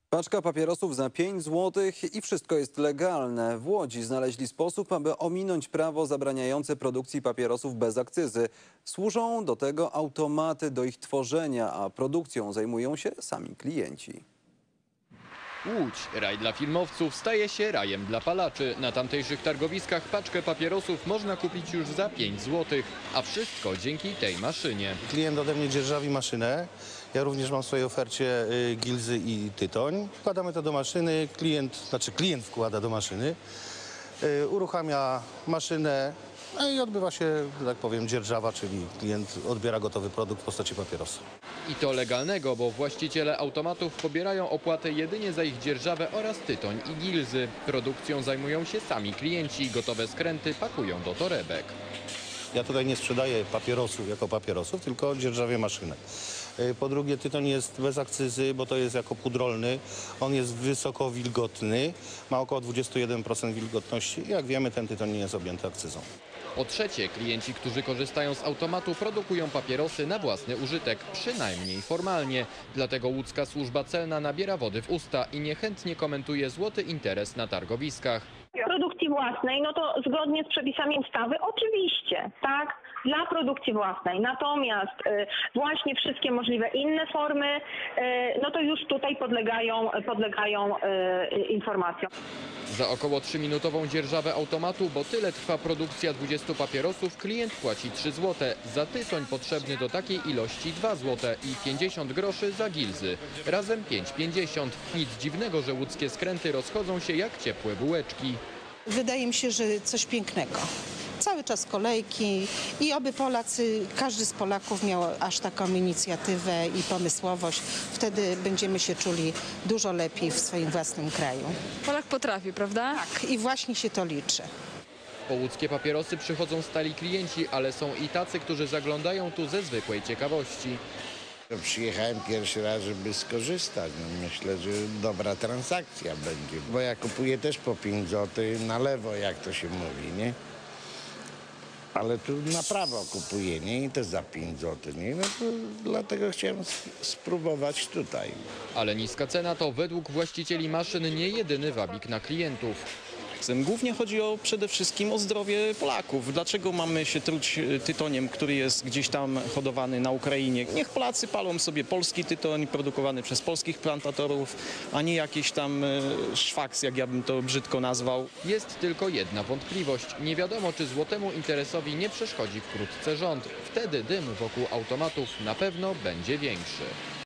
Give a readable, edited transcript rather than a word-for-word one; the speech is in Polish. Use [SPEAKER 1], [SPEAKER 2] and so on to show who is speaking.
[SPEAKER 1] Paczka papierosów za 5 zł i wszystko jest legalne. W Łodzi znaleźli sposób, aby ominąć prawo zabraniające produkcji papierosów bez akcyzy. Służą do tego automaty do ich tworzenia, a produkcją zajmują się sami klienci.
[SPEAKER 2] Łódź, raj dla filmowców, staje się rajem dla palaczy. Na tamtejszych targowiskach paczkę papierosów można kupić już za 5 zł, a wszystko dzięki tej maszynie.
[SPEAKER 3] Klient ode mnie dzierżawi maszynę. Ja również mam w swojej ofercie gilzy i tytoń. Wkładamy to do maszyny, klient wkłada do maszyny, uruchamia maszynę, no i odbywa się, że tak powiem, dzierżawa, czyli klient odbiera gotowy produkt w postaci papierosa.
[SPEAKER 2] I to legalnego, bo właściciele automatów pobierają opłatę jedynie za ich dzierżawę oraz tytoń i gilzy. Produkcją zajmują się sami klienci, gotowe skręty pakują do torebek.
[SPEAKER 3] Ja tutaj nie sprzedaję papierosów jako papierosów, tylko dzierżawię maszynę. Po drugie, tytoń jest bez akcyzy, bo to jest jako pudrolny. On jest wysoko wilgotny, ma około 21% wilgotności. Jak wiemy, ten tytoń nie jest objęty akcyzą.
[SPEAKER 2] Po trzecie, klienci, którzy korzystają z automatu, produkują papierosy na własny użytek, przynajmniej formalnie. Dlatego łódzka służba celna nabiera wody w usta i niechętnie komentuje złoty interes na targowiskach.
[SPEAKER 4] Produkcji własnej, no to zgodnie z przepisami ustawy oczywiście, tak, dla produkcji własnej. Natomiast właśnie wszystkie możliwe inne formy, no to już tutaj podlegają informacjom.
[SPEAKER 2] Za około 3-minutową dzierżawę automatu, bo tyle trwa produkcja 20 papierosów, klient płaci 3 zł. Za tytoń potrzebny do takiej ilości 2 zł i 50 groszy za gilzy. Razem 5,50. Nic dziwnego, że łódzkie skręty rozchodzą się jak ciepłe bułeczki.
[SPEAKER 5] Wydaje mi się, że coś pięknego. Cały czas kolejki i oby Polacy, każdy z Polaków miał aż taką inicjatywę i pomysłowość. Wtedy będziemy się czuli dużo lepiej w swoim własnym kraju.
[SPEAKER 6] Polak potrafi, prawda?
[SPEAKER 5] Tak, i właśnie się to liczy.
[SPEAKER 2] Po łódzkie papierosy przychodzą stali klienci, ale są i tacy, którzy zaglądają tu ze zwykłej ciekawości.
[SPEAKER 7] Przyjechałem pierwszy raz, żeby skorzystać. No myślę, że dobra transakcja będzie, bo ja kupuję też po 5 zł na lewo, jak to się mówi, nie? Ale tu na prawo kupuję, nie? I też za 5 zł, nie? No to dlatego chciałem spróbować tutaj.
[SPEAKER 2] Ale niska cena to według właścicieli maszyn nie jedyny wabik na klientów.
[SPEAKER 8] Głównie chodzi przede wszystkim o zdrowie Polaków. Dlaczego mamy się truć tytoniem, który jest gdzieś tam hodowany na Ukrainie? Niech Polacy palą sobie polski tytoń produkowany przez polskich plantatorów, a nie jakiś tam szwaks, jak ja bym to brzydko nazwał.
[SPEAKER 2] Jest tylko jedna wątpliwość. Nie wiadomo, czy złotemu interesowi nie przeszkodzi wkrótce rząd. Wtedy dym wokół automatów na pewno będzie większy.